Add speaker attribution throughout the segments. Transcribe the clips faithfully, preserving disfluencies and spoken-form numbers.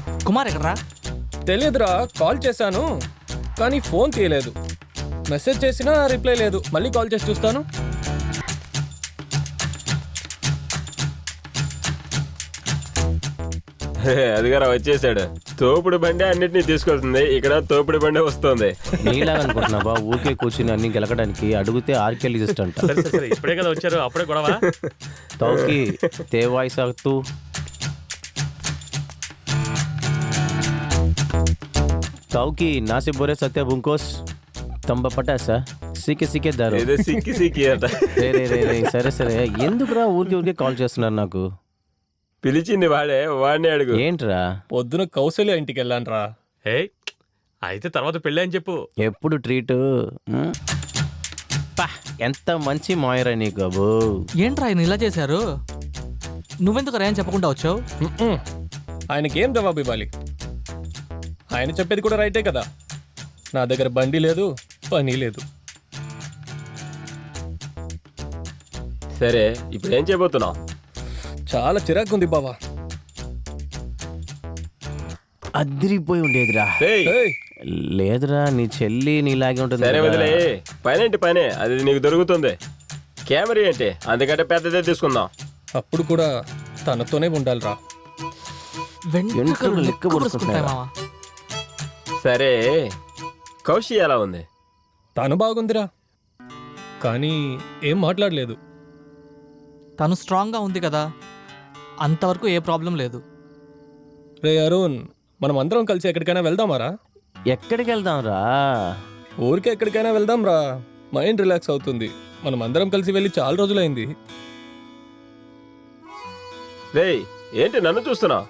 Speaker 1: కుమార్ ఎక్కడరా?
Speaker 2: తెలియదురా, కాల్ చేశాను కానీ ఫోన్ తీయలేదు. మెసేజ్ చేసినా రిప్లై లేదు. మళ్ళీ కాల్ చేసి చూస్తాను.
Speaker 3: అదిగారా వచ్చేసాడు. తోపుడు బండి అన్నిటినీ తీసుకొస్తుంది, ఇక్కడ తోపుడు బండి వస్తుంది.
Speaker 4: నీలాగా అనుకుంటున్నావా ఊరికే కూర్చుని అన్ని గెలకడానికి? అడిగితే ఆర్కెల్ లిస్ట్ అంట.
Speaker 5: ఇప్పుడే కదా వచ్చారు, అప్పుడే గొడవ.
Speaker 4: తౌకి తేవాయి సాగుతూ తౌకి నాసి బోరే సత్య బుంకోస్ తంబ పటాసా సీకే సీకే దారు.
Speaker 3: ఏదో సిక్కి సిక్కి అట.
Speaker 4: రే రే రే రే సరే సరే ఎందుకురా ఊరికే ఊరికే కాల్ చేస్తున్నారు నాకు?
Speaker 3: పిలిచింది వాడే, వాడిని అడుగు.
Speaker 4: ఏంట్రా?
Speaker 2: పొద్దున కౌశల్య ఇంటికి వెళ్ళాను రా.
Speaker 5: ఏ అయితే తర్వాత పెళ్ళి అని చెప్పు.
Speaker 4: ఎప్పుడు ట్రీటు? ఎంత మంచి మాయరా నీకు అబ్బో.
Speaker 1: ఏంట్రా ఆయన ఇలా చేశారు? నువ్వెందుకు రా అని చెప్పకుండా వచ్చావు?
Speaker 2: మ్మ్. ఆయనకేం జవాబు ఇవ్వాలి? ఆయన చెప్పేది కూడా రైటే కదా. నా దగ్గర బండి లేదు, పని లేదు.
Speaker 3: సరే ఇప్పుడు ఏం చేయబోతున్నావు?
Speaker 2: చాలా చిరాకు ఉంది బావా.
Speaker 4: అదిరిపోయి ఉండేదిరా.
Speaker 3: ఏయ్,
Speaker 2: ఏయ్,
Speaker 4: లేదురా నీ చెల్లి నీలాగే ఉంటుంది
Speaker 3: సరే
Speaker 4: కదా.
Speaker 3: వదిలే. పనేంటి పనే, అది నీకు దొరుకుతుంది. కెమెరా ఏంటి, అందుకంటే పెద్దదే తీసుకుందాం.
Speaker 2: అప్పుడు కూడా తనతోనే ఉండాలిరా.
Speaker 1: వెంట్రుకలు
Speaker 4: వెంట్రుకలు
Speaker 1: లెక్క
Speaker 4: లెక్క
Speaker 1: పొడుచుకుంటాయి మావా.
Speaker 3: సరే కౌశి ఎలా ఉంది?
Speaker 2: తను బాగుందిరా, కానీ ఏం మాట్లాడలేదు.
Speaker 1: తను స్ట్రాంగ్గా ఉంది కదా, అంతవరకు ఏ ప్రాబ్లం లేదు.
Speaker 2: రే అరుణ్, మనం అందరం కలిసి ఎక్కడికైనా వెళ్దామారా?
Speaker 4: ఎక్కడికి వెళ్దాం రా?
Speaker 2: ఊరికే ఎక్కడికైనా వెళ్దాం రా. మైండ్ రిలాక్స్ అవుతుంది. మనం అందరం కలిసి వెళ్ళి చాలా రోజులైంది.
Speaker 3: రేయ్ ఏంటి నన్ను చూస్తున్నావు?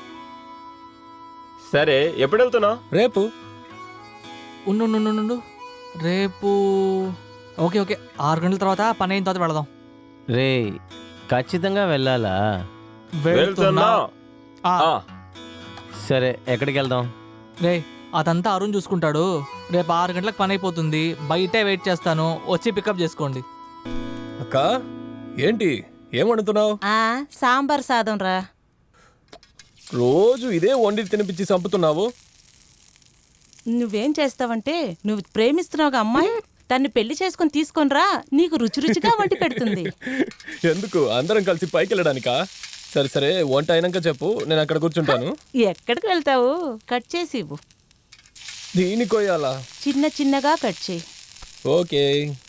Speaker 3: సరే ఎప్పుడు వెళ్తున్నావు?
Speaker 2: రేపు.
Speaker 1: ఉండు ఉండు, ఉండు, ఉండు. రేపు ఓకే ఓకే ఆరు గంటల తర్వాత పని అయిన తర్వాత వెళదాం.
Speaker 4: రే ఖచ్చితంగా వెళ్ళాలా?
Speaker 3: వెళ్తున్నా.
Speaker 1: ఆ,
Speaker 3: ఆ,
Speaker 4: సరే ఎక్కడికి వెళ్దాం?
Speaker 1: రే అదంతా అరుణ్ చూసుకుంటాడు. రేపు ఆరు గంటలకు పని అయిపోతుంది. బయటే వెయిట్ చేస్తాను, వచ్చి పికప్ చేసుకోండి.
Speaker 2: అక్క ఏంటి ఏం వండుతున్నావు?
Speaker 6: ఆ సాంబార్ సాదం రా.
Speaker 2: రోజు ఇదే వండి తినిపించి చంపుతున్నావు.
Speaker 6: నువ్వేం చేస్తావంటే, నువ్వు ప్రేమిస్తున్నావుగా అమ్మాయి, తన్ని పెళ్లి చేసుకుని తీసుకొని రా, నీకు రుచి రుచిగా వండి పెడుతుంది.
Speaker 2: ఎందుకు అందరం కలిసి పైకి వెళ్ళడానికా? సరే సరే వంట అయినాక చెప్పు, నేను అక్కడ కూర్చుంటాను.
Speaker 6: ఎక్కడికి వెళ్తావు? కట్ చేసి ఇవ్వు.
Speaker 2: దీని కొయ్యాలా?
Speaker 6: చిన్న చిన్నగా కట్ చేయి.
Speaker 2: ఓకే.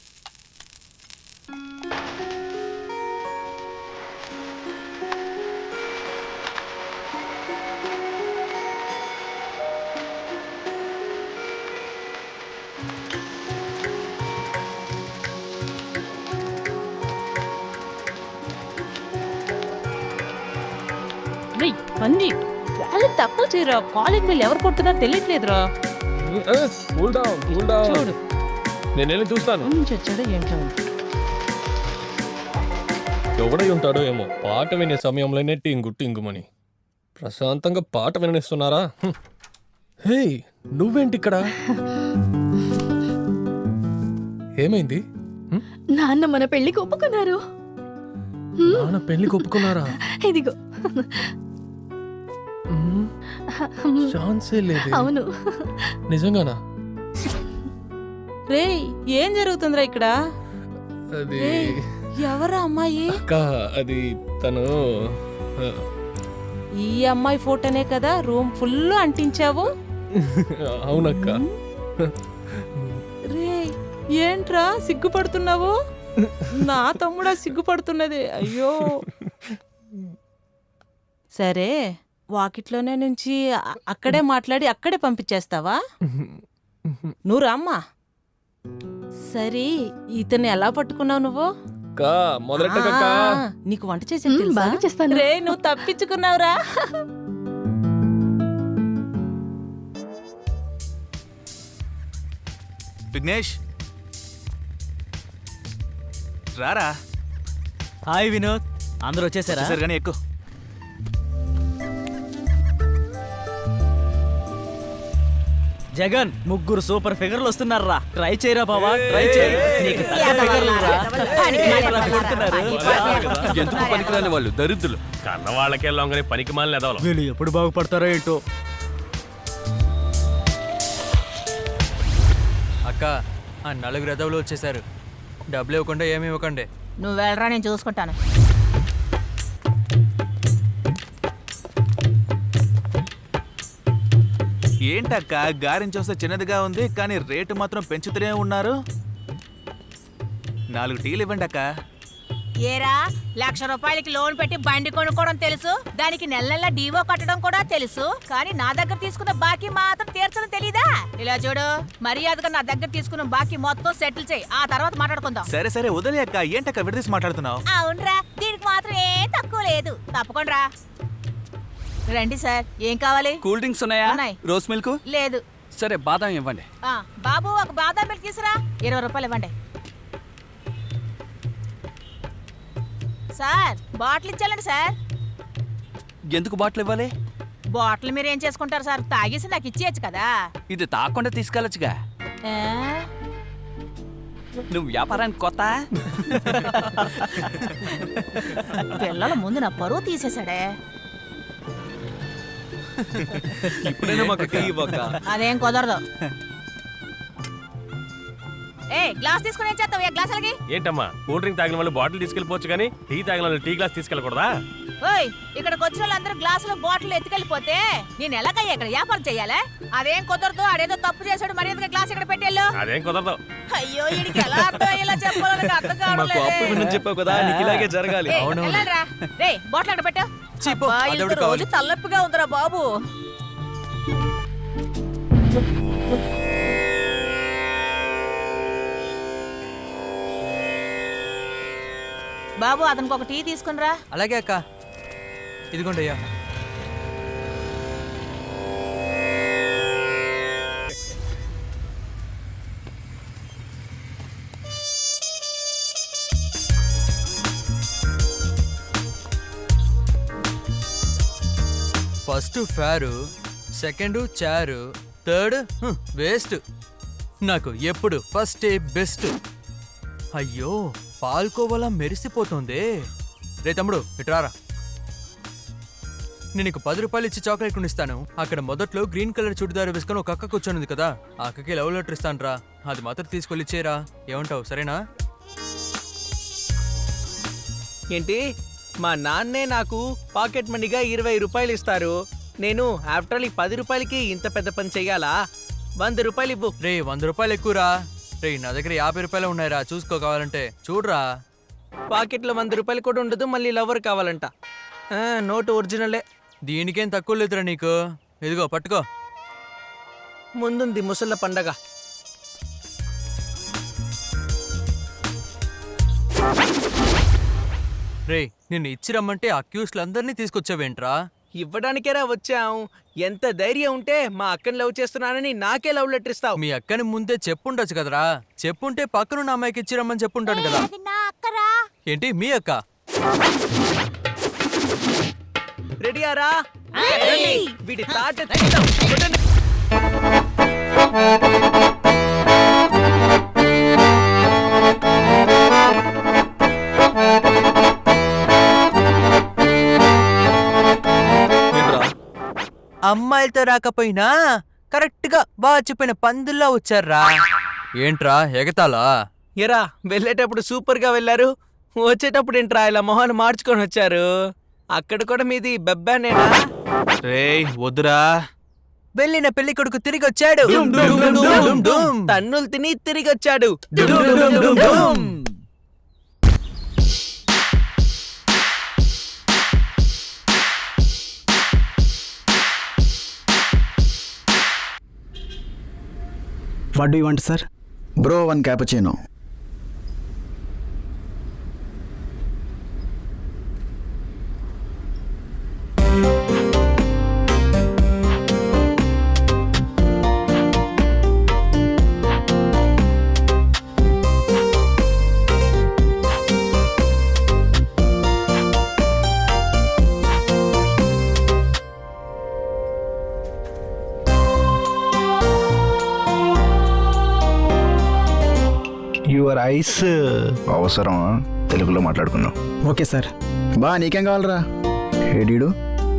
Speaker 6: అన్ని వాళ్ళు తక్కువ చేయరా. కాలేజ్ బిల్ ఎవరు కొడుతున్నారో తెలియట్లేదురా.
Speaker 2: Cool down cool down.
Speaker 6: చూడు
Speaker 2: నేను వెళ్ళి చూస్తాను.
Speaker 6: నుంచి వచ్చాడో ఏంటో.
Speaker 2: ఎవడై ఉంటాడో ఏమో, పాట వినే సమయంలోనే టింగు టింగుమని ప్రశాంతంగా పాట విననిస్తున్నారా? హ్మ్. హే నువ్వేంటి ఇక్కడ? ఏమైంది? హ్మ్?
Speaker 7: నాన్న మన పెళ్లికి ఒప్పుకున్నారు.
Speaker 2: నాన్న పెళ్లికి ఒప్పుకున్నారా?
Speaker 7: ఇదిగో.
Speaker 2: హ్మ్. ఛాన్సే లేదు.
Speaker 7: అవును.
Speaker 2: నిజంగానా?
Speaker 6: రే ఏం జరుగుతుందిరా ఇక్కడ?
Speaker 2: అది
Speaker 6: ఏయ్, ఎవరా అమ్మాయి?
Speaker 2: అక్క, అది తను ఆ,
Speaker 6: ఈ అమ్మాయి ఫోటోనే కదా రూమ్ ఫుల్ అంటించావు.
Speaker 2: అవునక్క.
Speaker 6: రే ఏంట్రా సిగ్గుపడుతున్నావు? నా తమ్ముడా సిగ్గుపడుతున్నది. అయ్యో సరే వాకిట్లోనే నుంచి అ- అక్కడే మాట్లాడి అక్కడే పంపించేస్తావా? నువ్వు రామ్మా. సరే ఇతన్ని ఎలా పట్టుకున్నావు నువ్వు?
Speaker 2: అక్క, మొదలెట్టకక్క.
Speaker 6: ఆ, నీకు వంట చేసి
Speaker 7: మ్, బాగా చేస్తాను.
Speaker 6: రే నువ్వు తప్పించుకున్నావురా.
Speaker 8: విఘ్నేష్ రారా.
Speaker 9: హాయ్ వినోద్, అందరూ వచ్చేసారా?
Speaker 8: సరే కానీ ఎక్కువ.
Speaker 9: జగన్ ముగ్గురు సూపర్ ఫిగర్లు వస్తున్నారా ట్రై చేయరా బావా ట్రై చేయి నీకు తగ్గ ఫిగర్లు రా. ఏంట్రా కొడుతున్నారు?
Speaker 8: ఎందుకు పనికిరాని వాళ్ళు దరిద్రులు.
Speaker 5: కన్న వాళ్ళకే లొంగని పనికి మాలిన ఎదవలం.
Speaker 9: వీళ్ళు ఎప్పుడు బాగుపడతారో ఏంటో.
Speaker 1: అక్క ఆ నలుగురు ఎదవులు వచ్చేసారు. డబ్బులు ఇవ్వకుండా ఏమి ఇవ్వకండి.
Speaker 6: నువ్వు వెళ్ళరా, నేను చూసుకుంటాను.
Speaker 8: ఏంటక్క గారించి వస్తే చిన్నదిగా ఉంది కానీ రేటు మాత్రం పెంచుతూనే ఉన్నారు. నాలుగు టీలు ఇవ్వండి అక్క.
Speaker 6: ఏరా, లక్ష రూపాయలకి లోన్ పెట్టి బండి కొనుక్కోవడం తెలుసు, దానికి నెల నెల డీవో కట్టడం కూడా తెలుసు, కానీ నా దగ్గర తీసుకున్న బాకీ మాత్రం తీర్చడం తెలీదా? ఇలా చూడు, మర్యాదగా నా దగ్గర తీసుకున్న బాకీ మొత్తం సెటిల్ చేయి, ఆ తర్వాత మాట్లాడుకుందాం.
Speaker 8: సరే సరే వదిలే అక్క. ఏంటక్క విడదీసి మాట్లాడుతున్నావు?
Speaker 6: అవునరా, దీనికి మాత్రం ఏం తక్కువ లేదు. తప్పకుండా రండి సార్. ఏం కావాలి?
Speaker 10: కూల్ డ్రింక్స్ ఉన్నాయా?
Speaker 6: ఉన్నాయి.
Speaker 10: రోస్ మిల్క్
Speaker 6: లేదు.
Speaker 10: సరే బాదం ఇవ్వండి.
Speaker 6: ఆ బాబు, ఒక బాదం మిల్క్ తీసురా. ఇరవై రూపాయలు ఇవ్వండి సార్. బాటిల్ ఇచ్చాలండి సార్.
Speaker 10: ఎందుకు బాటిల్ ఇవ్వాలి?
Speaker 6: బాటిల్ మీరు ఏం చేసుకుంటారు సార్? తాగేసి నాకు ఇచ్చేయచ్చు కదా.
Speaker 10: ఇది తాగకుండా తీసుకెళ్ళొచ్చుగా.
Speaker 6: ఆ?
Speaker 10: నువ్వు వ్యాపారానికి కొత్త?
Speaker 6: పిల్లల ముందు నా పరువు తీసేశాడే.
Speaker 10: ఇప్పుడైనా మాకు టీ ఇవ్వక.
Speaker 6: అదేం కుదరదు. ఏ గ్లాస్ తీసుకుని ఏం చేస్తావు? ఏ గ్లాస్ అలాగే.
Speaker 5: ఏంటమ్మా, కూల్ డ్రింక్ తాగిన వాళ్ళు బాటిల్ తీసుకెళ్ళిపోవచ్చు కానీ టీ తాగిన వాళ్ళు టీ గ్లాస్ తీసుకెళ్ళకూడదా?
Speaker 6: ఓయ్, ఇక్కడికి వచ్చిన వాళ్ళందరూ గ్లాసులో బాటిల్ ఎత్తుకెళ్ళిపోతే నేను ఎలాగయ్యా ఇక్కడ వ్యాపారం చెయ్యాలా? అదేం కుదరదు. అదేదో తప్పు చేశాడు, మర్యాదగా గ్లాస్ ఇక్కడ పెట్టేళ్ళు.
Speaker 5: అదేం కుదరదు.
Speaker 6: అయ్యో, వీడికి ఎలా అర్థం అయ్యేలా చెప్పాలో నాకు అర్థం కావట్లేదే.
Speaker 10: చెప్పావు కదా నీకు ఇలాగే జరగాలి.
Speaker 6: ఏయ్, వెళ్ళండ్రా. రేయ్, బాటిల్ అక్కడ పెట్టు. అబ్బా, ఇంత రోజు తలనొప్పిగా ఉందిరా బాబు. బాబు, అతనికి ఒక టీ తీసుకునిరా.
Speaker 1: అలాగే అక్క, ఇదిగోండి అయ్యా. ఫస్ట్ ఫేరు, సెకండ్ చారు, థర్డ్ వేస్ట్. నాకు ఎప్పుడు ఫస్ట్ ఏ బెస్ట్. అయ్యో, పాల్కోవాలా మెరిసిపోతుంది. రే తమ్ముడు, ఇట్రారా. నేను నీకు పది రూపాయలు ఇచ్చి చాక్లెట్ కొనిస్తాను. అక్కడ మొదట్లో గ్రీన్ కలర్ చుడిదారు వేసుకొని ఒక అక్క కూర్చొని ఉంది కదా, ఆ అక్కకి లవ్ లెటర్ ఇస్తాను రా. అది మాత్రం తీసుకెళ్ళి ఇచ్చేరా. ఏమంటావు? సరేనా?
Speaker 9: ఏంటి, మా నాన్నే నాకు పాకెట్ మనీగా ఇరవై రూపాయలు ఇస్తారు. నేను ఆఫ్టర్ ఆల్ ఈ పది రూపాయలకి ఇంత పెద్ద పని చెయ్యాలా? వంద రూపాయలు ఇవ్వు.
Speaker 1: రే, వంద రూపాయలు ఎక్కువరా. రే, నా దగ్గర యాభై రూపాయలు ఉన్నాయిరా, చూసుకో కావాలంటే. చూడరా.
Speaker 9: పాకెట్లో వంద రూపాయలు కూడా ఉండదు, మళ్ళీ లవర్ కావాలంట. ఆ, నోటు ఒరిజినలే.
Speaker 1: దీనికేం తక్కువ లేదురా నీకు. ఇదిగో పట్టుకో.
Speaker 9: ముందుంది ముసళ్ళ పండగ.
Speaker 1: రే, నిన్ను ఇచ్చి రమ్మంటే అక్యూస్లందరినీ తీసుకొచ్చావేంట్రా?
Speaker 9: ఇవ్వడానికేరా వచ్చాం. ఎంత ధైర్యం ఉంటే మా అక్కని లవ్ చేస్తున్నానని నాకే లవ్ లెటర్ ఇస్తావు?
Speaker 1: మీ అక్కని ముందే చెప్పుండొచ్చు కదరా. చెప్పుంటే పక్కనున్న అమ్మాయికి ఇచ్చి రమ్మని చెప్పుంటాను కదా. ఏంటి మీ అక్క?
Speaker 9: రెడీయారా? వీడి తాట తీద్దాం. కొట్టండి.
Speaker 1: అమ్మాయిలతో రాకపోయినా కరెక్ట్ గా బాగా చెప్పిన పందుల్లో వచ్చారా. ఏంట్రా ఎగతాలా?
Speaker 9: ఎరా, వెళ్ళేటప్పుడు సూపర్ గా వెళ్ళారు, వచ్చేటప్పుడు ఏంట్రా ఇలా మొహాన్ని మార్చుకొని వచ్చారు? అక్కడ కూడా మీది బెబ్బానేనా?
Speaker 8: రేయ్ వద్దురా.
Speaker 1: వెళ్ళిన పెళ్లి కొడుకు తిరిగి వచ్చాడు.
Speaker 9: తన్నులు తిని తిరిగి వచ్చాడు.
Speaker 11: What do you want, sir?
Speaker 12: Bro, one cappuccino.
Speaker 8: Your eyes.
Speaker 12: అవసరం తెలుగులో మాట్లాడుకున్నాం.
Speaker 11: Okay sir.
Speaker 12: బా నీకేం కావాలరా? ఏడీడు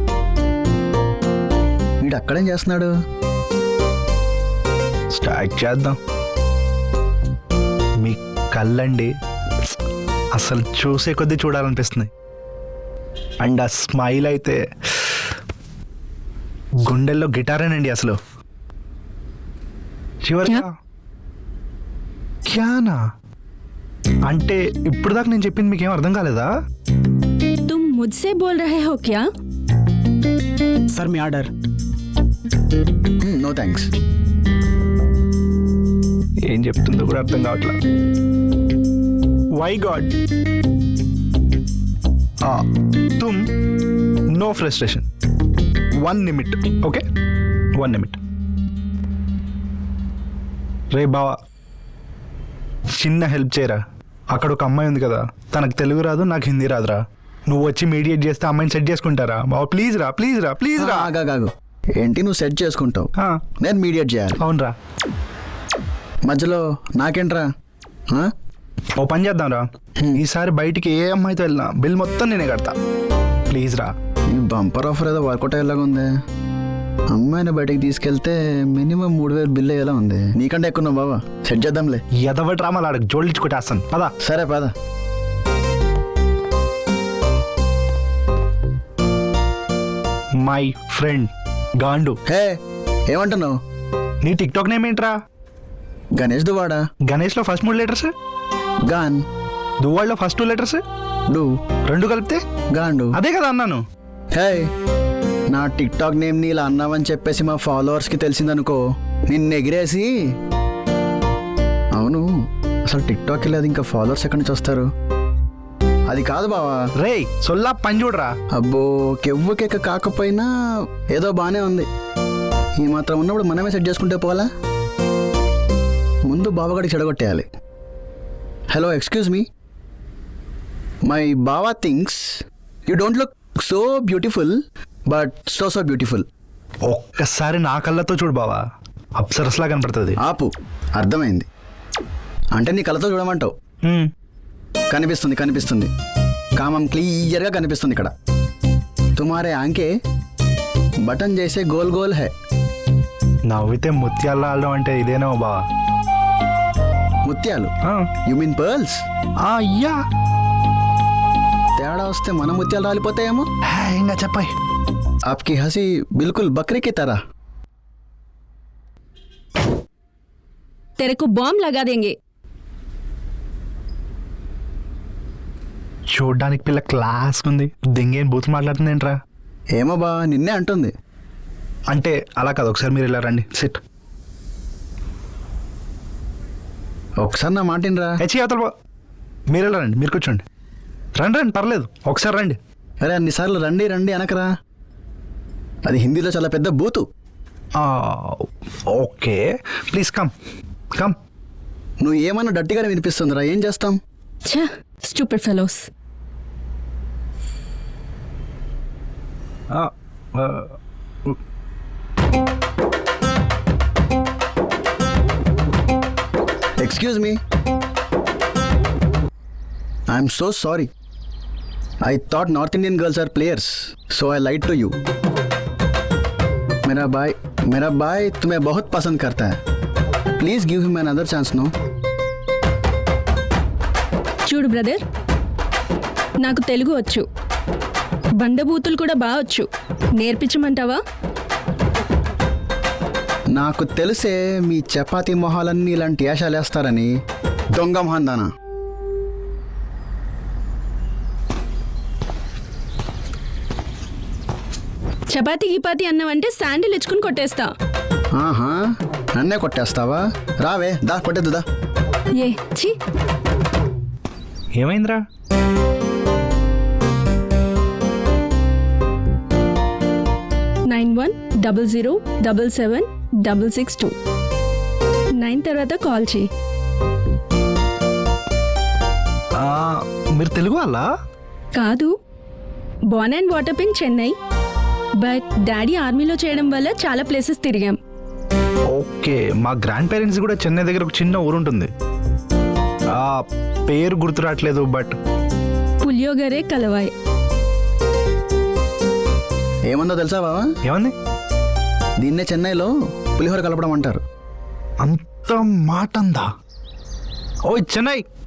Speaker 12: వీడు అక్కడేం చేస్తున్నాడు?
Speaker 8: స్టార్ట్ చేద్దాం. మీ కళ్ళండి అసలు చూసే కొద్దీ చూడాలనిపిస్తుంది. అండ్ ఆ స్మైల్ అయితే గుండెల్లో గిటారేనండి అసలు. చివరిగా క్యానా అంటే ఇప్పుడు దాకా నేను చెప్పింది మీకేం అర్థం కాలేదా?
Speaker 7: तुम मुझसे बोल रहे हो क्या?
Speaker 11: సార్ మీ ఆర్డర్.
Speaker 12: No thanks.
Speaker 8: ఏం చెప్తుందో కూడా అర్థం కావట్లా. వై గాడ్ తుమ్ no frustration. One minute. Okay one minute. రే బావా చిన్న హెల్ప్ చేయరా. అక్కడ ఒక అమ్మాయి ఉంది కదా, తనకు తెలుగు రాదు, నాకు హిందీ రాదురా. నువ్వు వచ్చి మీడియేట్ చేస్తే అమ్మాయిని సెట్ చేసుకుంటారా బావా? ప్లీజ్ రా, ప్లీజ్ రా, ప్లీజ్ రా.
Speaker 12: ఆగాగాగు. ఏంటి నువ్వు సెట్ చేసుకుంటావు, నేను మీడియేట్ చేయాలి?
Speaker 8: అవునరా.
Speaker 12: మధ్యలో నాకేంట్రా? ఆ?
Speaker 8: ఓ పని చేద్దాం రా, ఈసారి బయటికి ఏ అమ్మాయితో వెళ్ళినా బిల్ మొత్తం నేనే కడతా. ప్లీజ్ రా.
Speaker 12: ఈ బంపర్ ఆఫర్ ఏదో వర్కౌట్ అయ్యేలాగా ఉంది. అమ్మాయిని బయటకు తీసుకెళ్తే మినిమం మూడు వేలు బిల్ అయ్యేలా ఉంది. నీకంటే ఎక్కువ ఉన్నావు బాబా, సెట్ చేద్దాంలే.
Speaker 8: ఎదవ డ్రామాలు ఆడకు, జోడించుకుంటేస్తాను పదా.
Speaker 12: సరే పద.
Speaker 8: My friend గాండు.
Speaker 12: హే ఏమంటున్నావు?
Speaker 8: నీ టిక్ టాక్ నేమ్ ఏంట్రా?
Speaker 12: గణేష్ దువాడా.
Speaker 8: గణేష్ లో ఫస్ట్ మూడు లెటర్స్
Speaker 12: గాన్,
Speaker 8: దువ్వాడలో ఫస్ట్ టూ లెటర్స్
Speaker 12: డు,
Speaker 8: రెండు కలిపితే
Speaker 12: గాండు.
Speaker 8: అదే కదా అన్నాను.
Speaker 12: హే నా టిక్ టాక్ నేమ్ని ఇలా అన్నావని చెప్పేసి మా ఫాలోవర్స్కి తెలిసిందనుకో, నిన్ను ఎగిరేసి. అవును అసలు టిక్ టాక్ లేదు, ఇంకా ఫాలోవర్స్ ఎక్కడి నుంచి వస్తారు? అది కాదు బావా.
Speaker 8: రే సొల్లా పని చూడరా.
Speaker 12: అబ్బో కెవ్వు కేక కాకపోయినా ఏదో బాగానే ఉంది. ఈ మాత్రం ఉన్నప్పుడు మనమే సెట్ చేసుకుంటే పోలా? ముందు బావగాడికి చెడగొట్టేయాలి. హలో ఎక్స్క్యూజ్ మీ, మై బావా things you don't look so beautiful but so so beautiful.
Speaker 8: ఒక్కసారి నా కళ్ళతో చూడు బావా, అప్సరస్లా కనపడుతుంది.
Speaker 12: ఆపు, అర్థమైంది. అంటే నీ కళ్ళతో చూడమంటావు? కనిపిస్తుంది కనిపిస్తుంది, కామం క్లియర్గా కనిపిస్తుంది ఇక్కడ. తుమారే ఆంకే బటన్ చేసే గోల్ గోల్ హై.
Speaker 8: నవ్వితే ముత్యాల్లో ఆడడం అంటే ఇదేనా బావా?
Speaker 12: ముత్యాలు? You mean pearls?
Speaker 8: అయ్యా
Speaker 12: తేడా వస్తే మన ముత్యాలు రాలిపోతాయేమో.
Speaker 8: ఇంకా చెప్పాయి.
Speaker 12: आपकी हंसी बिल्कुल बकरी की तरह.
Speaker 7: तेरे को बॉम्ब लगा देंगे.
Speaker 8: చూడ్డానికి పిల్ల క్లాస్ ఉంది, దింగేం బూత్ మాట్లాడుతుంది ఏంట్రా?
Speaker 12: ఏమో బా నిన్నే అంటుంది.
Speaker 8: అంటే అలా కాదు, ఒకసారి మీరు ఇలా రండి. సిట్.
Speaker 12: ఒకసారి నా మాటినరా.
Speaker 8: హెచ్చి అవతల బా. మీరు ఇలా రండి, మీరు కూర్చోండి. రండి రండి పర్లేదు, ఒకసారి రండి.
Speaker 12: అరే అన్నిసార్లు రండి రండి అనకరా, అది హిందీలో చాలా పెద్ద బూతు.
Speaker 8: Okay please come come.
Speaker 12: నువ్వు ఏమన్నా డట్టిగానే వినిపిస్తుందిరా, ఏం చేస్తాం?
Speaker 7: ఛ stupid fellows.
Speaker 12: Excuse me, I'm so sorry. I thought North Indian girls are players, so I lied to you. मेरा भाई मेरा भाई तुम्हें बहुत पसंद करता है. Please give him another chance, no?
Speaker 7: చూడు బ్రదర్, నాకు తెలుగు వచ్చు, బండబూతులు కూడా బాగా వచ్చు. నేర్పించమంటావా?
Speaker 12: నాకు తెలిసే మీ చపాతీ మొహాలన్నీ ఇలాంటి యాషాలు వేస్తారని. దొంగ మొహందానా.
Speaker 7: చపాతీ గిపాతి అన్నావంటే శాండిల్ ఇచ్చుకుని కొట్టేస్తా.
Speaker 12: ఆహా నన్నే కొట్టేస్తావా? రావే దా కొట్టేద్దు దా.
Speaker 7: ఏ ఛీ.
Speaker 8: ఏమైందిరా?
Speaker 7: Nine one double zero double seven double six two nine తర్వాత కాల్ చేయి.
Speaker 8: మీరు తెలుగు వాళ్ళా?
Speaker 7: కాదు, born and water in Chennai, but daddy ఆర్మీలో చేయడం వల్ల చాలా ప్లేసెస్ తిరిగాం.
Speaker 8: ఓకే, మా గ్రాండ్ పేరెంట్స్ కూడా చెన్నై దగ్గర ఒక చిన్న ఊరు ఉంటుంది. ఆ పేరు గుర్తు రావట్లేదు బట్
Speaker 7: పులియోగరే కలవాయ్.
Speaker 12: ఏముందో తెలుసా బావా?
Speaker 8: ఏమంది?
Speaker 12: దీన్నే చెన్నైలో పులిహోర కలపడం అంటారు.
Speaker 8: అంత మాట అందా? ఓ చెన్నై